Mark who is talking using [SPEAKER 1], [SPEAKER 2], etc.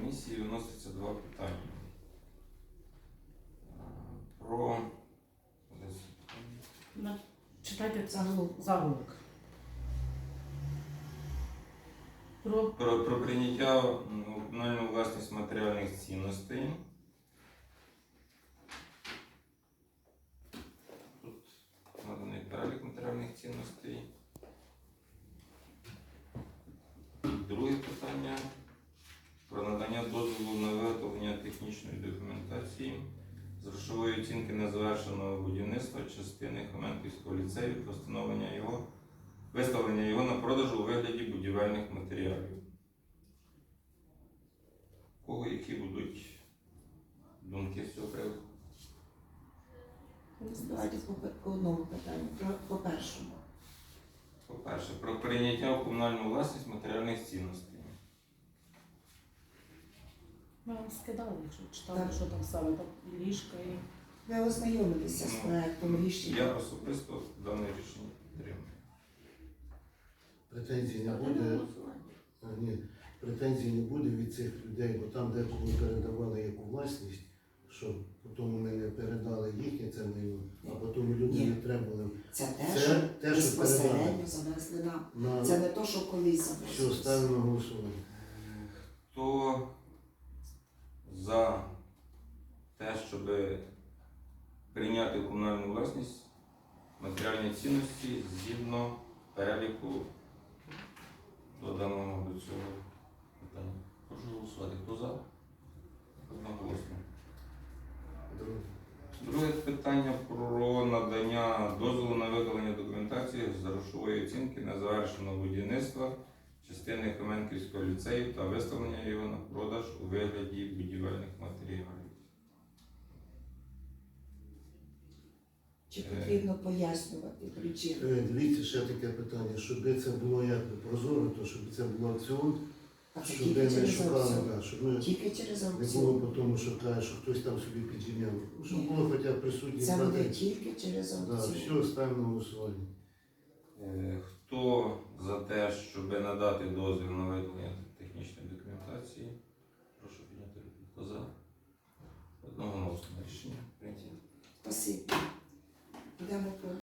[SPEAKER 1] комісії виноситься два питання. Про
[SPEAKER 2] Читайте заголовок.
[SPEAKER 1] Про прийняття у комунальну власність матеріальних цінностей. Тут наданий перелік матеріальних цінностей. Друге питання про надання дозволу на виготовлення технічної документації з грошової оцінки незавершеного будівництва частини Хоменківського ліцею та виставлення його на продаж у вигляді будівельних матеріалів. У кого які будуть думки з цього приводу?
[SPEAKER 3] Давайте по одному питанню. По першому.
[SPEAKER 1] По-перше, про прийняття у комунальну власність матеріальних цінностей.
[SPEAKER 2] Ми вам скидали, якщо читали,
[SPEAKER 3] Так.
[SPEAKER 2] що там саме там і ліжка, і
[SPEAKER 3] Ви ознайомилися з проектом рішення.
[SPEAKER 1] Я особисто дане рішення підтримую.
[SPEAKER 4] Претензій не буде. Ні, претензій не буде від цих людей, бо там деколи передавали яку власність, що потім ми не передали їхнє це майно, а потім люди
[SPEAKER 3] Ні.
[SPEAKER 4] не треба.
[SPEAKER 3] Це
[SPEAKER 4] Це
[SPEAKER 3] що
[SPEAKER 4] те, що
[SPEAKER 3] безпосередньо
[SPEAKER 4] передали.
[SPEAKER 3] завезли нам.
[SPEAKER 4] На
[SPEAKER 3] Це не то, що колись
[SPEAKER 4] що
[SPEAKER 3] завезли.
[SPEAKER 4] ставимо на голосування.
[SPEAKER 1] Хто за те, щоб прийняти в комунальну власність матеріальні цінності згідно переліку доданого до цього питання? Прошу голосувати. Хто за? Одноголосно. Друге питання про надання дозволу на виготовлення документації з грошової оцінки незавершеного будівництва частини Хоменківського ліцею та виставлення його на продаж у вигляді будівельних матеріалів.
[SPEAKER 3] Чи потрібно пояснювати причину?
[SPEAKER 4] Дивіться, ще таке питання, щоб це було як прозоро, то щоб це було аукціон,
[SPEAKER 3] А це
[SPEAKER 4] щоб
[SPEAKER 3] тільки
[SPEAKER 4] ми
[SPEAKER 3] через
[SPEAKER 4] шукали,
[SPEAKER 3] аукціон.
[SPEAKER 4] да, щоб ми
[SPEAKER 3] Тільки через
[SPEAKER 4] не
[SPEAKER 3] аукціон.
[SPEAKER 4] було по тому, що каже, що хтось там собі підживляв. Щоб
[SPEAKER 3] Ні.
[SPEAKER 4] було хоча б присутні
[SPEAKER 3] Це буде
[SPEAKER 4] плати.
[SPEAKER 3] тільки через
[SPEAKER 4] Да,
[SPEAKER 3] аукціон.
[SPEAKER 4] все, ставимо на голосування.
[SPEAKER 1] Хто за те, щоб надати дозвіл на виготовлення технічної документації? Прошу підняти руку. Хто за? Одноголосно рішення прийнято.
[SPEAKER 3] Спасибі. Йдемо по